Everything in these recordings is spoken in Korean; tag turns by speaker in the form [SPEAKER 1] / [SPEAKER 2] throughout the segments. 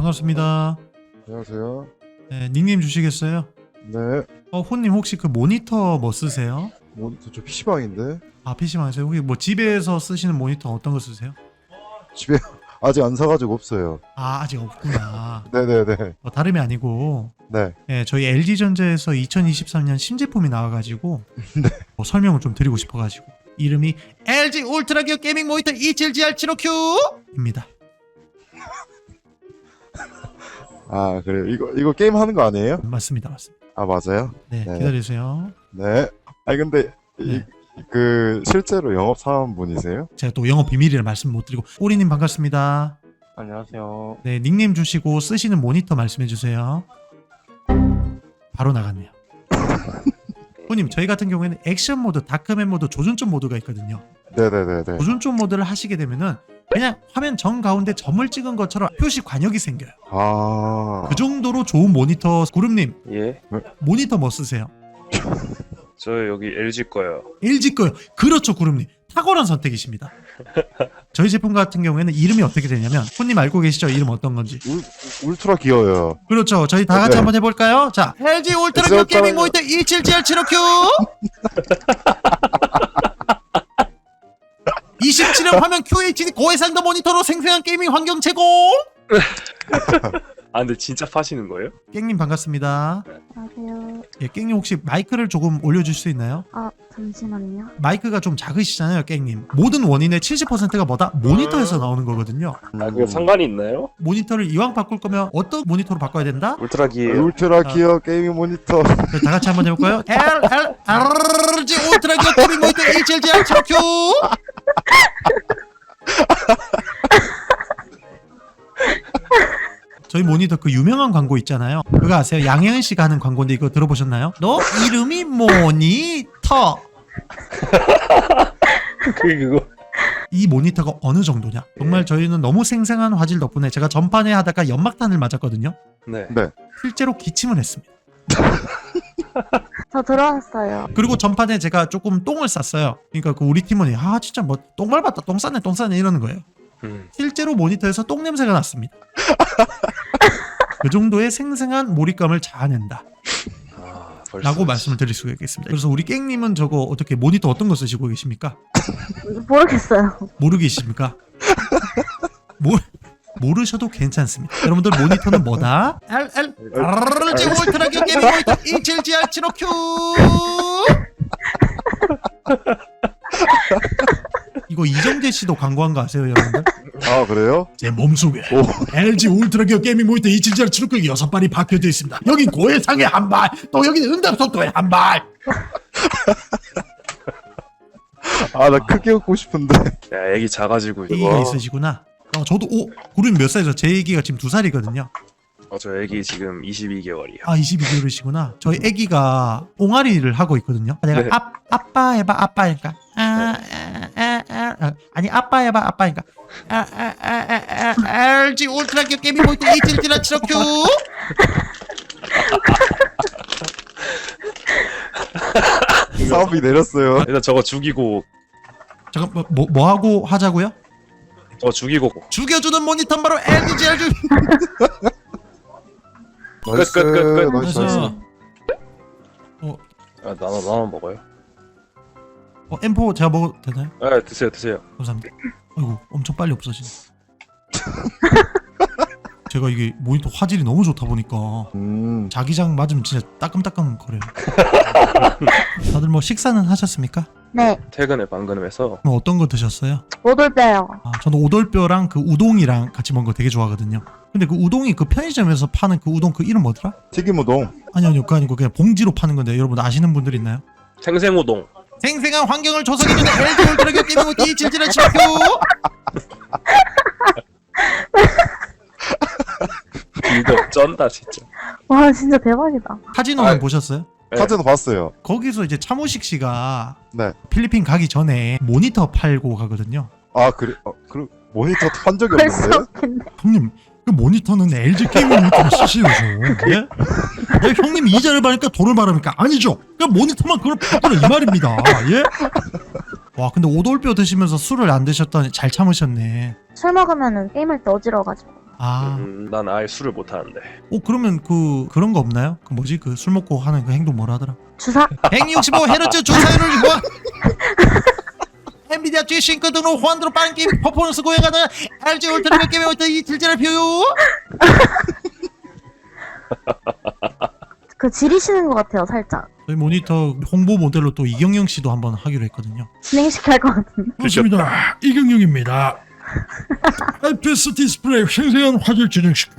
[SPEAKER 1] 반갑습니다.
[SPEAKER 2] 안녕하세요.
[SPEAKER 1] 네, 닉네임 주시겠어요?
[SPEAKER 2] 네.
[SPEAKER 1] 호님 혹시 그 모니터 뭐 쓰세요?
[SPEAKER 2] 모니터 저 PC방인데
[SPEAKER 1] 아, PC방에서요? 혹시 뭐 집에서 쓰시는 모니터 어떤 거 쓰세요?
[SPEAKER 2] 집에 아직 안 사가지고 없어요.
[SPEAKER 1] 아, 아직 없구나.
[SPEAKER 2] 네네네.
[SPEAKER 1] 다름이 아니고
[SPEAKER 2] 네.
[SPEAKER 1] 네, 저희 LG전자에서 2023년 신제품이 나와가지고
[SPEAKER 2] 네.
[SPEAKER 1] 설명을 좀 드리고 싶어가지고 이름이 LG 울트라 기어 게이밍 모니터 27GR75Q입니다.
[SPEAKER 2] 아 그래요. 이거 게임 하는 거 아니에요?
[SPEAKER 1] 맞습니다.
[SPEAKER 2] 아 맞아요?
[SPEAKER 1] 네,
[SPEAKER 2] 네.
[SPEAKER 1] 기다리세요.
[SPEAKER 2] 네. 아니 근데
[SPEAKER 1] 네.
[SPEAKER 2] 그 실제로 영업 사원분이세요?
[SPEAKER 1] 제가 또 영업 비밀이라 말씀 못 드리고 오리님 반갑습니다.
[SPEAKER 3] 안녕하세요.
[SPEAKER 1] 네, 닉네임 주시고 쓰시는 모니터 말씀해 주세요. 바로 나갔네요. 호님, 저희 같은 경우에는 액션 모드, 다크맨 모드, 조준점 모드가 있거든요.
[SPEAKER 2] 네네네네.
[SPEAKER 1] 조준점 모드를 하시게 되면은 그냥 화면 정 가운데 점을 찍은 것처럼 표시 관역이 생겨요.
[SPEAKER 2] 아.
[SPEAKER 1] 그 정도로 좋은 모니터. 구름님,
[SPEAKER 3] 예,
[SPEAKER 1] 모니터 뭐 쓰세요?
[SPEAKER 3] 저 여기 LG 거요.
[SPEAKER 1] LG 거요. 그렇죠, 구름님. 탁월한 선택이십니다. 저희 제품 같은 경우에는 이름이 어떻게 되냐면, 호님 알고 계시죠? 이름 어떤 건지.
[SPEAKER 2] 울트라 기어요.
[SPEAKER 1] 그렇죠. 저희 다 같이
[SPEAKER 2] 네.
[SPEAKER 1] 한번 해볼까요? 자, LG 울트라 기어 게이밍 모니터 27GR75Q 27형 화면 QHD 고해상도 모니터로 생생한 게이밍 환경 제공.
[SPEAKER 3] 아 근데 진짜 파시는 거예요?
[SPEAKER 1] 깽님 반갑습니다.
[SPEAKER 4] 안녕하세요.
[SPEAKER 1] 예, 깽님 혹시 마이크를 조금 올려줄 수 있나요?
[SPEAKER 4] 아, 잠시만요.
[SPEAKER 1] 마이크가 좀 작으시잖아요, 깽님. 모든 원인의 70%가 뭐다? 모니터에서 나오는 거거든요.
[SPEAKER 3] 아 그게 상관이 있나요?
[SPEAKER 1] 모니터를 이왕 바꿀 거면 어떤 모니터로 바꿔야 된다?
[SPEAKER 3] 울트라기예요.
[SPEAKER 2] 울트라 기어 게이밍 모니터.
[SPEAKER 1] 그럼 다 같이 한번 해볼까요? LG 울트라 기어 게이밍 모니터 27GR75Q 저희 모니터 그 유명한 광고 있잖아요. 그거 아세요? 양혜은 씨가 하는 광고인데 이거 들어보셨나요? 너 이름이 모니터.
[SPEAKER 3] 그거.
[SPEAKER 1] 이 모니터가 어느 정도냐? 정말 저희는 너무 생생한 화질 덕분에 제가 전판에 하다가 연막탄을 맞았거든요.
[SPEAKER 3] 네.
[SPEAKER 2] 네.
[SPEAKER 1] 실제로 기침을 했습니다.
[SPEAKER 4] 저 들어왔어요.
[SPEAKER 1] 그리고 전판에 제가 조금 똥을 쌌어요. 그러니까 그 우리 팀원이 아 진짜 뭐 똥 밟았다, 똥 쌌네 이러는 거예요. 실제로 모니터에서 똥 냄새가 났습니다. 그 정도의 생생한 몰입감을 자아낸다 라고 말씀을 드릴 수가 있겠습니다. 그래서 우리 깽님은 저거 어떻게 모니터 어떤 거 쓰시고 계십니까?
[SPEAKER 4] 모르겠어요.
[SPEAKER 1] 모르겠습니까? 모르셔도 괜찮습니다. 여러분들 모니터는 뭐다? LG 울트라 기어 게이밍 모니터 27GR75Q 이거 이정재 씨도 광고한 거 아세요, 여러분들?
[SPEAKER 2] 아 그래요?
[SPEAKER 1] 제 몸속에
[SPEAKER 2] 오.
[SPEAKER 1] LG 울트라 기어 게이밍 모니터 27GR75Q 6발이 박혀져 있습니다. 여긴 고해상에 한 발, 또 여기는 응답속도에 한 발.
[SPEAKER 2] 아 나 크게 웃고 싶은데.
[SPEAKER 3] 야 애기 작아지고
[SPEAKER 1] 애기가
[SPEAKER 3] 이거.
[SPEAKER 1] 있으시구나. 저도 구름 몇 살이죠? 제 애기가 지금 2살이거든요.
[SPEAKER 3] 저 애기 지금 22개월이요.
[SPEAKER 1] 아 22개월이시구나. 저희 애기가 옹알이를 하고 있거든요. 내가
[SPEAKER 3] 네.
[SPEAKER 1] 아빠 해봐 아빠니까 아니 아빠 해봐 아빠니까 LG 울트라 기어 게이밍 모니터 27GR75Q
[SPEAKER 2] 사업이 내렸어요.
[SPEAKER 3] 일단 저거 죽이고
[SPEAKER 1] 잠깐 뭐 하고 하자고요?
[SPEAKER 3] 죽이고
[SPEAKER 1] 죽여주는 모니터 바로 LG
[SPEAKER 2] 나이스.
[SPEAKER 3] 끝.
[SPEAKER 2] 나이스. 나이스.
[SPEAKER 3] 아 나눠 먹어요.
[SPEAKER 1] M4 제가 먹어도 되나요?
[SPEAKER 3] 아 드세요.
[SPEAKER 1] 감사합니다. 아이고 엄청 빨리 없어지네. 제가 이게 모니터 화질이 너무 좋다 보니까 자기장 맞으면 진짜 따끔따끔 거려요. 다들 뭐 식사는 하셨습니까?
[SPEAKER 4] 네,
[SPEAKER 3] 퇴근에 방금 해서
[SPEAKER 1] 그럼 어떤 거 드셨어요?
[SPEAKER 4] 오돌뼈요.
[SPEAKER 1] 저는 오돌뼈랑 그 우동이랑 같이 먹는 거 되게 좋아하거든요. 근데 그 우동이 그 편의점에서 파는 그 우동 그 이름 뭐더라?
[SPEAKER 2] 튀김우동.
[SPEAKER 1] 아니요 그거 아니고 그냥 봉지로 파는 건데 여러분 아시는 분들 있나요?
[SPEAKER 3] 생생우동.
[SPEAKER 1] 생생한 환경을 조성해주는 LG 울트라 기어 게이밍 모니터 27GR75Q
[SPEAKER 3] 이거 쩐다 진짜.
[SPEAKER 4] 와, 진짜 대박이다.
[SPEAKER 1] 카지노는 보셨어요?
[SPEAKER 3] 네.
[SPEAKER 2] 카드도 봤어요.
[SPEAKER 1] 거기서 이제 차무식 씨가
[SPEAKER 2] 네.
[SPEAKER 1] 필리핀 가기 전에 모니터 팔고 가거든요.
[SPEAKER 2] 아 그래. 그 모니터 한 적이
[SPEAKER 4] 벌써
[SPEAKER 2] 없는데.
[SPEAKER 4] 웃긴데.
[SPEAKER 1] 형님 그 모니터는 LG 게이밍 모니터를 쓰시면서 예? 형님 이자를 받으니까 돈을 받으니까 아니죠. 그 모니터만 그걸 받으라 이 말입니다. 예? 와 근데 오돌뼈 드시면서 술을 안 드셨더니 잘 참으셨네.
[SPEAKER 4] 술 먹으면은 게임할 때 어지러워가지고.
[SPEAKER 1] 아,
[SPEAKER 3] 난 아예 술을 못 하는데.
[SPEAKER 1] 그러면 그런 거 없나요? 그 뭐지? 그 술 먹고 하는 그 행동 뭐라 하더라?
[SPEAKER 4] 주사?
[SPEAKER 1] 165Hz 주사율을 뭐 엔비디아 G-Sync 등으로 호환도로 빠른 게임 퍼포먼스 고해가는 LG 울트라 몇 게임의 어떤 이 질질을 표요.
[SPEAKER 4] 그 지리시는 것 같아요, 살짝.
[SPEAKER 1] 저희 모니터 홍보 모델로 또 이경영 씨도 한번 하기로 했거든요.
[SPEAKER 4] 진행시켜야 할 것 같은데.
[SPEAKER 5] 그렇습니다. 이경영입니다. IPS 디스플레이 생생한 화질 진행시켜.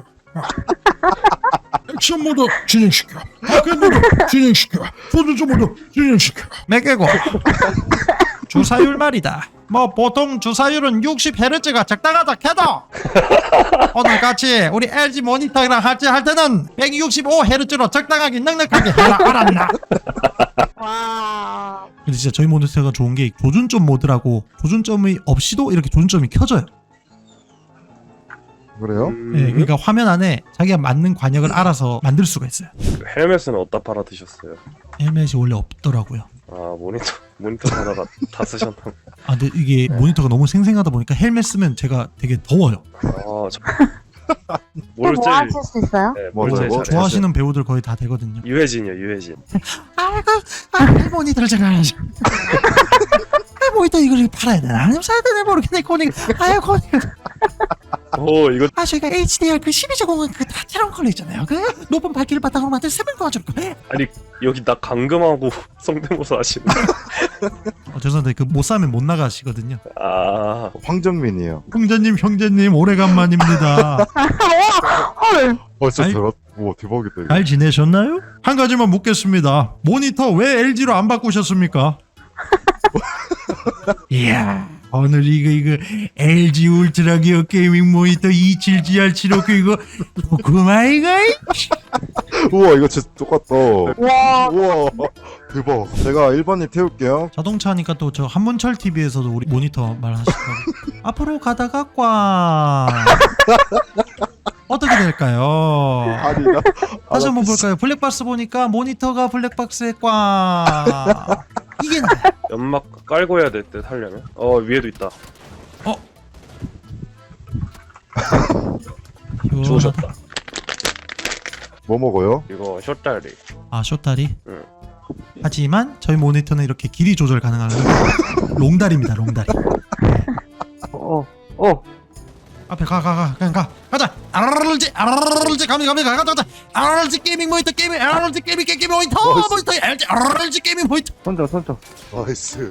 [SPEAKER 5] 액션 모드 진행시켜. 바켓 모드 진행시켜. 조준조 모드 진행시켜.
[SPEAKER 1] 몇 개고? 주사율 말이다. 뭐 보통 주사율은 60Hz가 적당하다 캐도 오늘같이 우리 LG 모니터랑 할 때는 165Hz로 적당하게 넉넉하게 해라 알았나?
[SPEAKER 4] 와.
[SPEAKER 1] 근데 진짜 저희 모니터가 좋은 게 조준점 모드라고 조준점이 없이도 이렇게 조준점이 켜져요.
[SPEAKER 2] 그래요?
[SPEAKER 1] 예, 그러니까 화면 안에 자기가 맞는 관역을 알아서 만들 수가 있어요.
[SPEAKER 3] 그 헬멧은 어디다 팔아 드셨어요?
[SPEAKER 1] 헬멧이 원래 없더라고요.
[SPEAKER 3] 아 모니터 사다가 다 쓰셨나?
[SPEAKER 1] 아 근데 이게 모니터가 너무 생생하다 보니까 헬멧 쓰면 제가 되게 더워요.
[SPEAKER 3] 아저
[SPEAKER 4] 뭐
[SPEAKER 3] 뭘 제일
[SPEAKER 4] 하실 수 있어요?
[SPEAKER 3] 네, 뭘
[SPEAKER 2] 맞아요.
[SPEAKER 3] 제일
[SPEAKER 2] 뭐
[SPEAKER 3] 잘해?
[SPEAKER 1] 좋아하시는 배우들 거의 다 되거든요.
[SPEAKER 3] 유해진이요 유해진.
[SPEAKER 1] 아이고 모니터를 제가 해야지. 모니터 이걸 팔아야 되나? 아니면 사야 되나 모르겠네. 코닉. 아유 코닉.
[SPEAKER 3] 오 이거
[SPEAKER 1] 저희가 HDR 그 12제곱은 그 다채로운 컬러 있잖아요. 그 높은 밝기를 바탕으로 만든 세븐 과줄 거.
[SPEAKER 3] 아니 여기 나 감금하고 성대모사 하시는.
[SPEAKER 1] 죄송한데 그 못 사면 못 나가시거든요.
[SPEAKER 3] 아
[SPEAKER 2] 황정민이에요.
[SPEAKER 1] 형제님 오래간만입니다.
[SPEAKER 4] 헐.
[SPEAKER 2] 진짜
[SPEAKER 1] 아니-
[SPEAKER 2] 와 대박이다 이거.
[SPEAKER 1] 잘 지내셨나요? 한 가지만 묻겠습니다. 모니터 왜 LG로 안 바꾸셨습니까? 이야 오늘 이거 LG 울트라 기어 게이밍 모니터 27GR759 이거 좋구만 이거.
[SPEAKER 2] 우와 이거 진짜 똑같다.
[SPEAKER 4] 와.
[SPEAKER 2] 우와 대박. 제가 1번님 태울게요.
[SPEAKER 1] 자동차 하니까 또 저 한문철 TV에서도 우리 모니터 말하시더라고. 앞으로 가다가 꽝. 어떻게 될까요?
[SPEAKER 2] 아니다.
[SPEAKER 1] 다시 한번 볼까요? 블랙박스 보니까 모니터가 블랙박스에 꽝. 이게 나야.
[SPEAKER 3] 연막 깔고 해야 될 듯 하려면. 위에도 있다. 죽으셨다.
[SPEAKER 2] 뭐 먹어요?
[SPEAKER 3] 이거 숏다리.
[SPEAKER 1] 아 쇼다리?
[SPEAKER 3] 응.
[SPEAKER 1] 하지만 저희 모니터는 이렇게 길이 조절 가능한 롱다리입니다. 롱다리. 앞에 그냥 가자. RG 가자. RG 게이밍 모니터 게이밍 RG 게이밍 모니터 LG RG 게이밍 모니터
[SPEAKER 2] 나이스.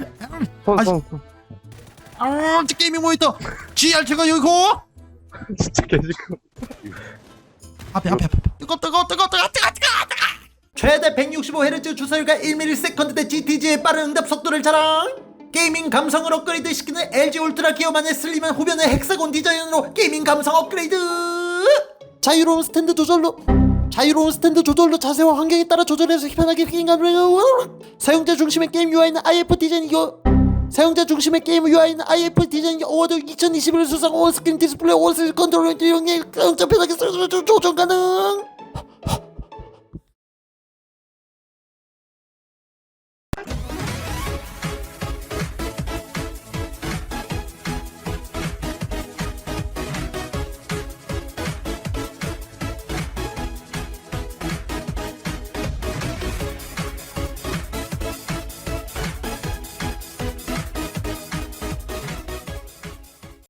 [SPEAKER 1] RG 게이밍 모니터 GRT가 여기고
[SPEAKER 3] 진짜 개지금.
[SPEAKER 1] 앞에 뜨거 최대 165Hz 주사율과 1ms/대 GTG의 빠른 응답 속도를 자랑. 게이밍 감성을 업그레이드 시키는 LG 울트라 기어만의 슬림한 후변의 헥사곤 디자인으로 게이밍 감성 업그레이드. 자유로운 스탠드 조절로 자세와 환경에 따라 조절해서 편하게 게임감을. 사용자 중심의 게임 UI는 IF 디자인 어워드 2021 수상 온스크린 디스플레이 온스크린 컨트롤 영역 편하게 조정 가능.